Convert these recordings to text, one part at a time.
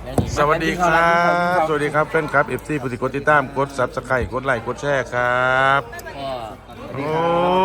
สวัสดีครับ สวัสดีครับแฟนครับ FC ผู้ที่กดติดตามกด Subscribe กดไลค์กดแชร์ครับโอ้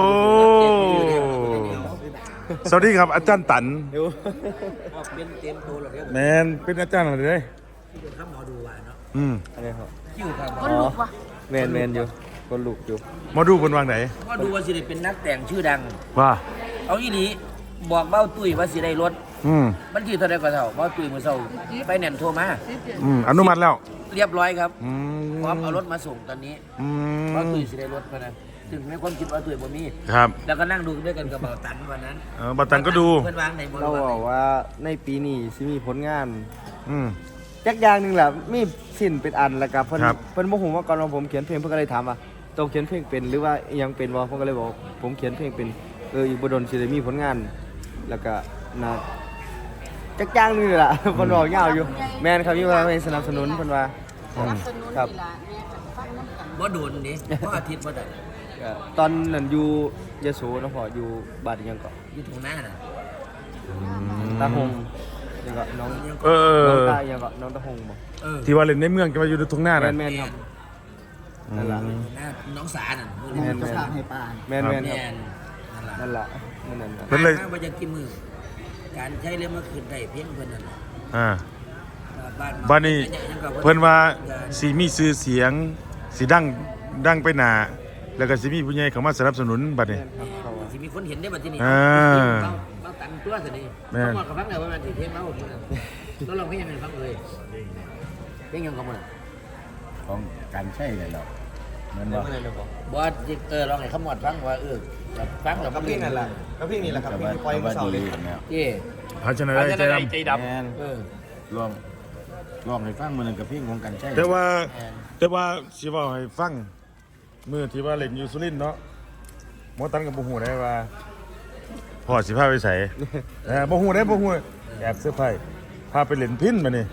สวัสดีครับอาจารย์ตันเป็นเต็มตัวหรอครับแมนเป็นอาจารย์อะไรเลยข้ามหมอดูว่าเนาะอะไรครับคิวครับคนลุกวะแมนอยู่คนลุกอยู่หมอดูคนวางไหนหมอดูว่าสิได้เป็นนักแต่งชื่อดังว่าเอาอีหลีบอกเบ้าตุ้ยว่าสิได้รถมันที่เท่าไรก็เท่าเบ้าตุ้ยมือเศร้าไปแน่นโทรมาอนุมัติแล้วเรียบร้อยครับพร้อมเอารถมาส่งตอนนี้เบ้าตุ้ยสิได้รถมานะถึงในความคิดว่าตุ้ยบ่มีครับแล้วก็นั่งดูด้วยกันกับเบาตันวันนั้นเบาตันก็ดูเพื่อนวางในบนเราบอกว่าในปีนี้สิมีผลงานจักอย่างหนึ่งแหละมีสิ้นเป็นอันแล้วกับเพิ่นโมโหว่าก่อนว่าผมเขียนเพลงเพิ่นก็เลยถามว่าโตเขียนเพลงเป็นหรือว่ายังเป็นวะผมก็เลยบอกผมเขียนเพลงเป็นอีกบ่ดนสิได้มีผลงานแล้วก็นะจักอย่างหนึงแหละเพิ่นบอกยาวอยู่แม่นครับอยู่ว่าให้สนับสนุนเพิ่นว่าครับบ่โดนนี่เพราะอาทิตย์บ่ได้ตอนนั้นอยู่ยโสนะพ่ออยู่บ้านยังเกาะอยู่ตรงหน้าน่ะตาหงยังเกาะน้องตายังเกาะน้องตาหงบ่ที่ว่าเล่นในเมืองจะมาอยู่ตรงหน้าน่ะแม่นครับนั่นล่ะน้องสาน่ะแม่นให้ป้าแม่นครับนั่นล่ะเพิ่นเลยว่าจะกินมือการใช้เรื่องมาคืนได้เพียงเพิ่นนั่นบ้านนี้เพิ่นว่าสีมีชื่อเสียงสีดังไปหนาแล้วก็สิมีผู้ใหญ่เข้ามาสนับสนุนบัดนี้สิมีคนเห็นได้บัดนี้เราตันตัวสินี่ต้องบอกกับฟังเลยว่ามันสิเพลงเราแล้วเราเพลงยังไงฟังเลยเพลงยังกับมันของการใช่เลยเราเหมือนว่าบอสลองให้ขมวดฟังว่าฟังแล้วก็เพลงนั่นแหละก็เพลงนี่แหละครับเพลงปล่อยมาเสาร์เลยภาชนะใจดำลองให้ฟังมันกับเพลงของการใช่แต่ว่าสิว่าให้ฟังมือที่ว่าเล่นอยู่สุรินทร์เนาะหมอตันกับบ่ฮู้ได้ว่าพ่อสิพาไปไสบ่ฮู้ได้บ่ฮู้แอบเสื้อผ้าพาไปเล่นพิณมานี่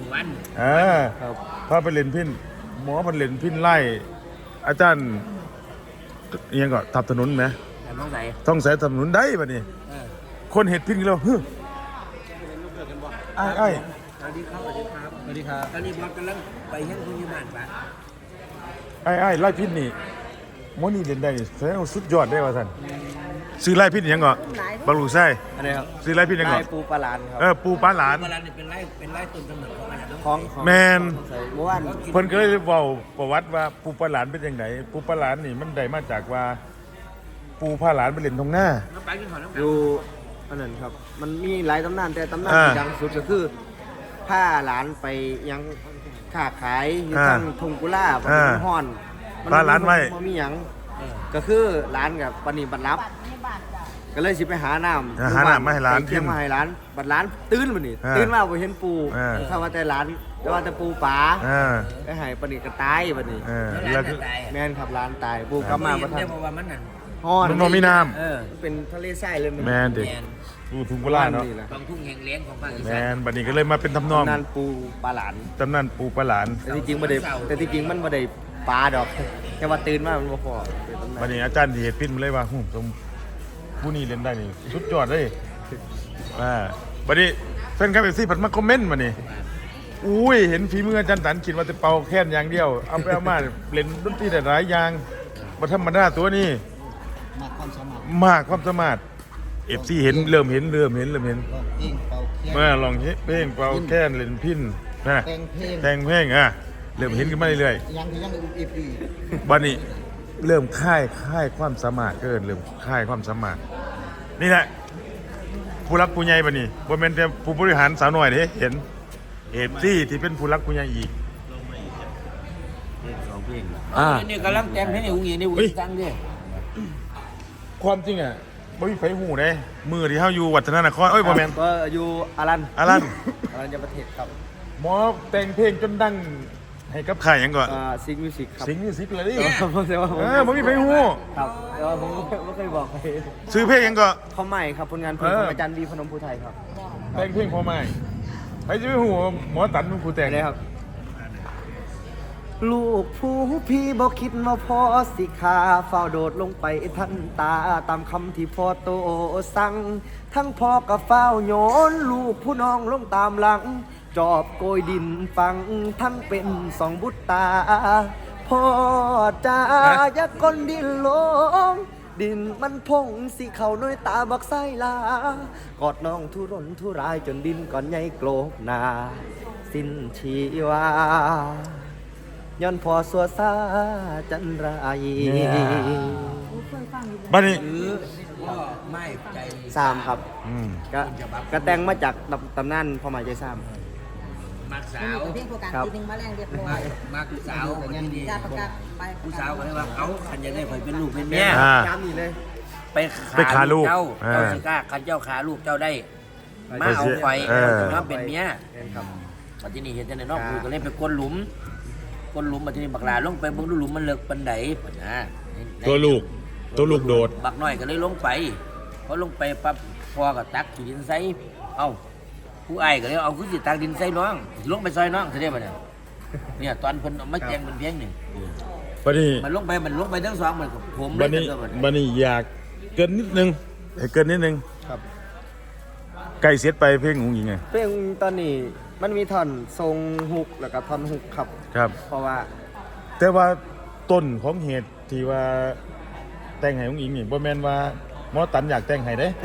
พาไปเล่นพิณหมอมันเล่นพิณไล่อาจารย์อีหยังก็ทับถนนมั้ยต้องใส่ถนนได้บัดนี้คนเฮ็ดพิณแล้วฮึอ้ายสวัสดีครับตอนนี้บอสกำลังไปเฮ็ดผู้ใหญ่บ้านปะไอ้ไล่พิษนี่มอนี่เล่นได้แสดงว่าสุดยอดได้ว่าท่านซื้อไล่พิษยังก่อนบางลูกไส้อะไรครับซื้อไล่พิษยังก่อนปูปลาหลานครับปูปลาหลานเป็นไล่ต้นกำเนิดของอะไรของแมนเพิ่นก็เลยเว้าประวัติว่าปูปลาหลานเป็นยังไงปูปลาหลานนี่มันได้มาจากว่าปูปลาหลานไปเล่นตรงหน้าอยู่อันนั้นครับมันมีหลายตำนานแต่ตำนานที่ดังสุดก็คือผ้าหลานไปยังค้าขายอยู่ทางทุ่งกุลาบนห้อนผ้าหลานไว้มันมีหยังก็คือร้านกับปณิบัติรับก็เลยสิไปหาน้ำมาให้ร้านเที่ยงมาให้ร้านบัดร้านตื่นมานี่ตื่นมาบ่เห็นปูเข้ามาแต่ร้านแต่ว่าแต่ปูป๋าไปให้ปณิกระตายบัดนี้แม่นครับร้านตายปูกลับมาบ่ทันห้อนมันมีน้ำเป็นทะเลทรายเลยแม่นดิทุ่งกุลาเนาะบางทุ่งแห่งเลี้ยงของภาคอีสานแม่นบัดนี้ก็เลยมาเป็นทำนองตำนานปูปลาหลานตำนานปูปลาหลานแต่ที่จริงมันบ่ได้ปลาดอกแค่ว่าตื่นมามันบ่พอบัดนี้อาจารย์ที่เฮ็ดพิษมันเลยว่าผู้นี้เล่นได้นี่สุดยอดเลยบัดนี้แฟนคลับFCเพิ่นมาคอมเมนต์มานี่อุ้ยเห็นฝีมืออาจารย์ตันคิดว่าจะเป่าแค่นอย่างเดียวเอาไปเอามาเล่นดนตรีได้หลายอย่างบ่ธรรมดาตัวนี้มากความสามารถFCเห็นเริ่มเห็นเมื่อลองเพลงเป่าแค่นเล่นพิณนะแต่งเพลงเริ่มเห็นกันมาเรื่อยๆบัดนี้เริ่มค่ายความสามารถเริ่มค่ายความสามารถนี่แหละผู้รักผู้ใหญ่บัดนี้บ่แม่นแต่ผู้บริหารสาวน้อยเด้เห็นที่เป็นผู้รักผู้ใหญ่อีกนี่กำลังแต่งเพลงให้อุ้งอิงนี่อุ้งอิงฟังดิความจริงบ่มีไฟหูเด้มือที่เฮาอยู่วัฒนนครบ่แม่นก็อยู่อารันยประเทศครับหมอแต่งเพลงจนดังให้กับค่ายหยังก่อนซิงมิวสิกครับซิงมิวสิกเลยดิผมว่าบ่มีไฟหูครับแต่ว่าผมไม่เคยบอกใครซื้อเพลงหยังก็พ่อใหม่ครับผลงานเพลงของอาจารย์บีพนมภูไทยครับแต่งเพลงพ่อใหม่ไปสิไปหูหมอตันเป็นผู้แต่งเลยครับลูกผู้พี่บอกคิดว่าพ่อสิขาเฝ้าโดดลงไปทันตาตามคำที่พ่อโตสั่งทั้งพ่อกับเฝ้าโยนลูกผู้น้องลงตามหลังจอบโกยดินฟังทั้งเป็นสองบุตรตาพ่อจ้าอย่าก้นดินลงดินมันพงสิเข้าน้อยตาบักไส้ลากอดน้องทุรนทุรายจนดินก่อนใหญ่โกรกหนาสิ้นชีวาย้อนพอสัวซาจันไรบัดนี้หรือว่าไม่ใจสามครับอืมก็แต่งมาจากตำนานพ่อหมายใจสามมักสาวเพียงโครงการครับทีหนึงมาแรงเรียบร้อยมักสาวคนนี้จะประกาศไปผู้สาวก็เลยว่าเอาขันจะได้ข่อยเป็นลูกเป็นเมียอ่าย้ำนี่เลยไปขาลูกเอเจ้าอสิกล้าขันเจ้าขาลูกเจ้าได้ มาเอาไฟเออน้องเป็นเมียครับปัจจุบันเห็นแต่ในนอกคุยก็เลยไปก้นหลุมปัจจุบันบักลาลงไปเบิ่งดูหลุมมันเลิกปันไดปะนะตัวลูกโดดบักน้อยก็เลยลงไปพอลงไปปั๊บพอก็ตักดินใส่เอ้าผู้อ้ายก็เลยเอาขึ้นสิตักดินใส่น้องลงไปซอยน้องเท่านี้ปะเนี่ยตอนเพิ่นเอามาแจงเป็นเพียงนี่บัดนี้มันลงไปทั้งสองเหมือนกับผมเลบัยดนี้ทั้งสองบัดนี้อยากเกินนิดนึงให้เกินนิดนึงครับใกล้เสร็จไปเพลงของหญิงไงเพลงตอนนี้มันมีท่อนทรงฮุกแล้วก็ท่อนฮุกครับครับเพราะว่าแต่ว่าต้นของเหตุที่ว่าแต่งให้ของหญิงนี่บ่แม่นว่าหมอตันอยากแต่งให้เด้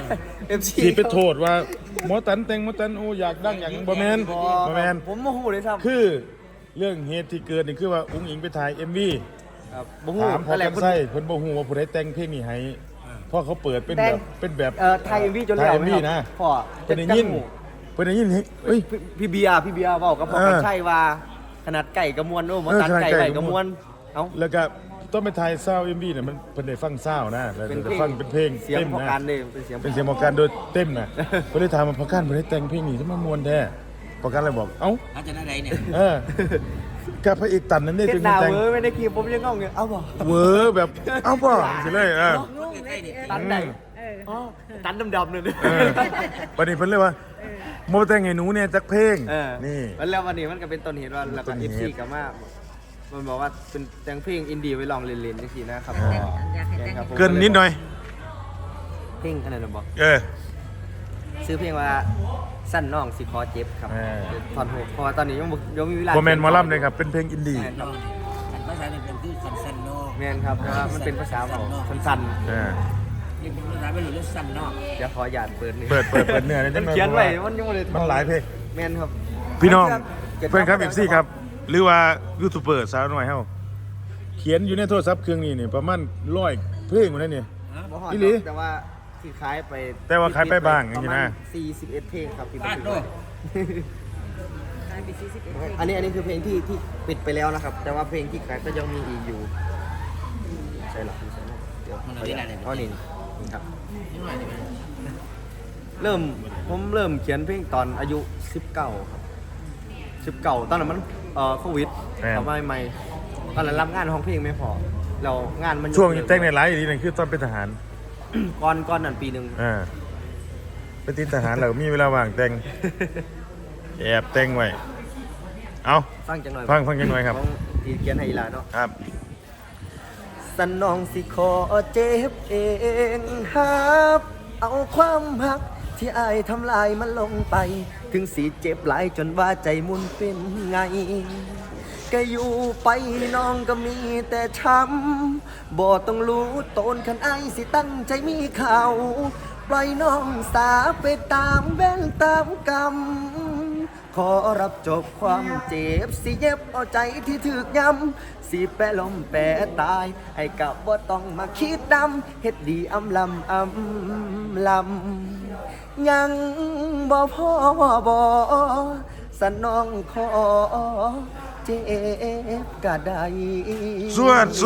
MC สิไปโทษว่าหมอตันแต่งหมอตันโอ้อยากดังอย่างบ่แม่นบ่แม่นผมโมโหเลยครับคือเรื่องเหตุที่เกิดนี่คือว่าอุ้งอิงไปถ่าย MV ครับโมโหถามพออะไรกันไส้เพิ่นบ่ฮู้ว่าผู้ใดแต่งเพลงนี้ให้เพราะเขาเปิดเป็นแบบไทย MV จนไทยแล้ว MV นะพ่อเพิ่นได้ยินเพิ่นได้ยินเฮ้ยพี่เบียร์บอกกับพ่อเออกันใช่ว่าขนาดไก่กระมวลโอ้หมอตันขนาดไก่ไก่ไก่กกระระมมววลลเอ้าแล้วก็ต้องไปถ่ายซาวด์ MVน่ะมันเพิ่นได้ฟังซาวด์นะแล้วเป็นเพลจะงฟังเป็นเพลงเสียงเต็มพ่อนะการเลยเป็นเสียงเป็นเสียงหมอการโดยเต็มน่ะเพิ่นเลยถามว่าพ่อการบ่ได้แต่งเพลงนี้ทำไมม่วนแท้พ่อการเลยบอกเอ้าอาจารย์อะไรเนี่ยเออกับพระเอกตันนั่นนี่เฮ็ถึดงหน้าแต่งเว้ยไม่ได้คีบผมยังงงอยู่เอ้าบ่เวอร์แบบเอ้าป่ะสิเลยเออตันไหนเอออ๋อตันดำๆเลยเออวันนี้เพิ่นเลยว่าโมแต่งให้หนูเนี่ยจักเพลง นี่แล้ววันนี้มันก็เป็นต้นเหตุว่าแล้วต้ก็นเหตุ FC กับมามันบอกว่าเป็นแต่งเพลงอินดี้ไว้ลองเล่นๆจังซี่นะครับอยากให้แต่งครับผมเกินนิดหน่อยเพลงอันนั้นนะบอกเออซื้อเพลงว่าสั้นน้องสิคอเจ็บครับเออถอนหกเพราะว่าตอนนี้ยังมีเวลาโมเมนต์หมอลำเลยครับ เป็นเพลงอินดี้แม่นครับอันภาษาเนี่ยเป็นคือสันนอกแม่นครับแต่ว่ามันเป็นภาษาบอกสั้นเออนี่เป็นภาษาไม่รู้เรื่องสันนอกๆเดี๋ยวขอหยาดเปิดหนึ่งเปิดเนื้อเลยมันเขียนไว้มันยังไม่ได้มันหลายเพลงแม่นครับพี่น้องเพื่อนครับFCครับ หรือว่ายูทูบเบอร์สาวน้อยเฮาเขียนอยู่ในโทรศัพท์เครื่องนี้นี่ประมาณ100เพลงหมดแล้วนี่บ่ฮอดอีหลีแต่ว่าที่ขายไปแต่ว่าขายไปบ้างอย่างนี้นะประมาณ41เพลงครับที่บับ้าน นทึกโลไว้กกลายเป็น41เพลงอันนี้คือเพลงที่ปิดไปแล้วนะครับ แต่ว่าเพลงที่ขายก็ยังมีอีกอยู่ใช่หรอใช่หรอเดี๋ยวขออนุญาตอ๋อนี่ครับนี่หน่อยนี่มันผมเริ่มเขียนเพลงตอนอายุ19ครับ19ตอนนั้นมันโควิดแม่นทำไมไม่ตอนนั้นรับงานห้องเพลงไม่พอเรางานมันช่วงแต่งในหลายอีกทีนึงคือตอนเป็นทหารก่อนนั้นปีหนึ่งอ่าเป็นติดทหารเรามีเวลาว่างแต่งแอบแต่งไว้ เอาฟังจังหน่อยฟังจังหน่อยครับของที่เขียนให้อีหลาเนาะครับสนองสิขอเจ็บเองฮับเอาความหักที่อายทำลายมันลงไป ถึงสีเจ็บหลายจนว่าใจมุนเป็นไง ก็อยู่ไปน้องก็มีแต่ช้ำบ่ต้องรู้ตนคันไอายสิตั้งใจมีเขาปล่อยน้องสาไปตามแว่นตามกรรม ขอรับจบความเจ็บสิเย็บเอาใจที่ถึกย้ำสิแปะลมแปะตายไอ้กับบ่ต้องมาคิดดำเฮ็ดดีอำลำยังบ่พอบ่สนองขอเจ็บกะได้สวด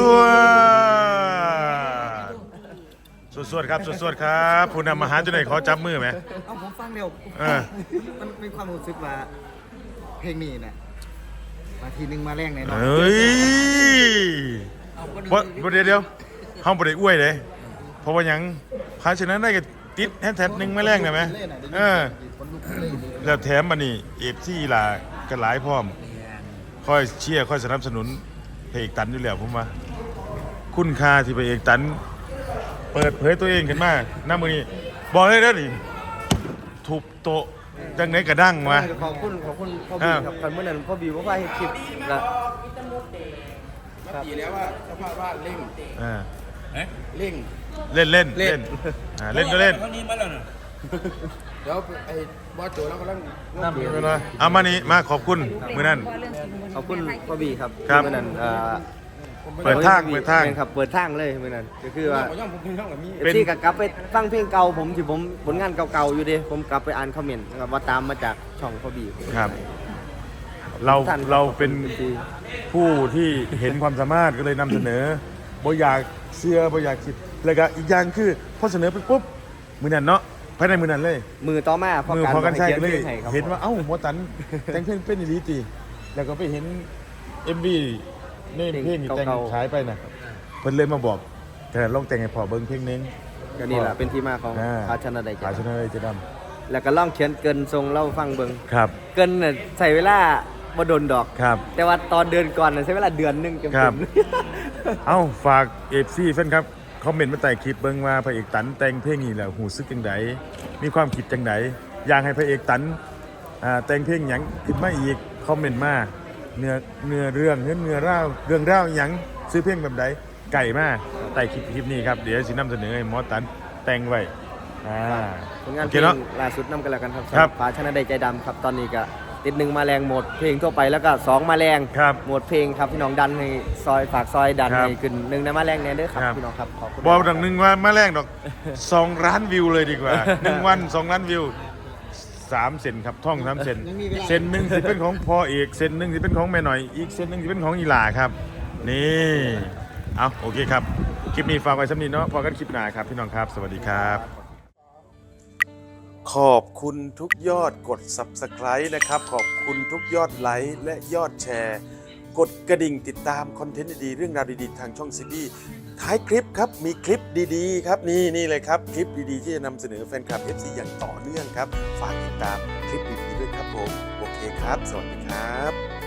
ครับสวดครับผู้นำอาหารจุดไหนขอจับมือไหมเอาผมฟังเร็วเออมันมีความรู้สึกว่าเพลงนี้เนี่ยมาทีนึงมาแรงแน่นอนเฮ้ยบ่เดี๋ยวห้องบ่ได้อวยเลยเพราะว่าหยังภาชนะได้ก็ติดแฮชแท็กหนึ่งมาแรงได้ไหมเออแล้วแถมมานี่เอฟซีล่ะกันหลายพร้อมค่อยเชียร์ค่อยสนับสนุนพระเอกตันอยู่แล้วผมว่าคุณค่าที่พระเอกตันเปิดเผยตัวเองขึ้นมาหน้ามือนี้บอกเลยนะนี่ทุบโต๊ะจังไหนกระดั้งวะขอบคุณพ่อบีครับคันเมื่อนั้นพ่อบีบอกว่าให้คลิปละดีแล้วว่าเจ้าภาพว่าเร่งอ่าเร่งเล่นเล่นเล่นเล่นก็เล่นเขานี้มาแล้วน่ะเดี๋ยวไอ้บอสโจแล้วกำลังน้ำไม่เป็นไรเอามานี่มาขอบคุณมือนั่นขอบคุณพ่อบีครับครับเมื่อนั้นเปิดทางแม่นครับเปิดทางเลยเมื่อนั้นก็คือว่าผมย่อมผมเพิ่งย่อมกับมีเป็นที่กลับไปฟังเพลงเก่าผมที่ผมผลงานเก่าๆอยู่ดิผมกลับไปอ่านคอมเมนต์นะครับว่าตามมาจากช่องพ่อบีครับ เราท่านเราเป็นที่ผู้ที่เห็นความสามารถก็เลยนำเสนอบ่อยากเชื่อบ่อยากคิดแล้วก็อีกอย่างคือพอเสนอไปปุ๊บมือนั่นเนาะภายในมือนั่นเลยมือต่อมาพอมือการพอกันใช่ก็เลยให้ครับเห็นว่าเอ้าหมอตันแต่งเพลงเป็นอีหลีตีแล้วก็ไปเห็น MV นี่เพลงที่แต่งขายไปน่ะเพิ่นเลยมาบอกแต่ลองแต่งให้พอเบิ่งเพลงนึงก็นี่แหละเป็นที่มาของอ่าภาชนะใดขายชจะนะเลยจะดแล้วก็ล่องเขียนเกินทรงเล่าฟังเบิงำครับเกินน่ะใส่เวลาบ่โดนดอกครับแต่ว่าตอนเดือนก่อนน่ะใช้เวลาเดือนหนึงเต็ครัมบ เอ้าฝากFC แฟนครับคอมเมนต์มาใต้คลิปเบิ่งว่าพระเอกตันแต่งเพลงนี้แล้วหูซึกจังไดมีความคิดจังไดอยากให้พระเอกตันแต่งเพลงหยังขึ้นมาอีกคอมเมนต์มาเนื้อเรื่องเนื้อเล่าเรื่องเล่าหยังซื้อเพลงแบบใดไก่มาใต้คลิปนี้ครับเดี๋ยวสินำเสนอให้หมอตันแต่งไว้ผลงานโอเพเคลงเนาะล่าสุดนำกันแล้วกันครับครับภาชนะใดใจดำครับตอนนี้ก็ติด1มาแรงโหมดเพลงทั่วไปแล้วก็2มาแรงครับโหมดเพลงครับพี่น้องดันให้ซอยฝากซอยดันครับให้ขึ้น1ในมาแรงแน่เด้อครับครับพี่น้องครับขอบคุณบอกดังหนึงว่ามาแรงดอก 2 ล้านวิวเลยดีกว่า 1 วัน 2 ล้านวิว 3 เซนครับท่อง 3 เซนเซนหนึ่งสิเป็นของพ่อเอกเซนหนึ่งสิเป็นของแม่หน่อยอีกเซนหนึ่งสิเป็นของอีหลาครับ นี่เอาโอเคครับ คลิปนี้ฝากไว้สำนีเนาะพอกันคลิปหน้าครับพี่น้องครับ สวัสดีครับ ขอบคุณทุกยอดกด Subscribe นะครับ ขอบคุณทุกยอดไลค์และยอดแชร์ กดกระดิ่งติดตามคอนเทนต์ดีๆเรื่องราวดีๆ ทางช่องซีบีท้ายคลิปครับ มีคลิปดีๆ ครับ นี่เลยครับ คลิปดีๆ ที่จะนำเสนอแฟนคลับ FC อย่างต่อเนื่องครับ ฝากติดตามคลิปดีๆด้วยครับผม โอเคครับ สวัสดีครับ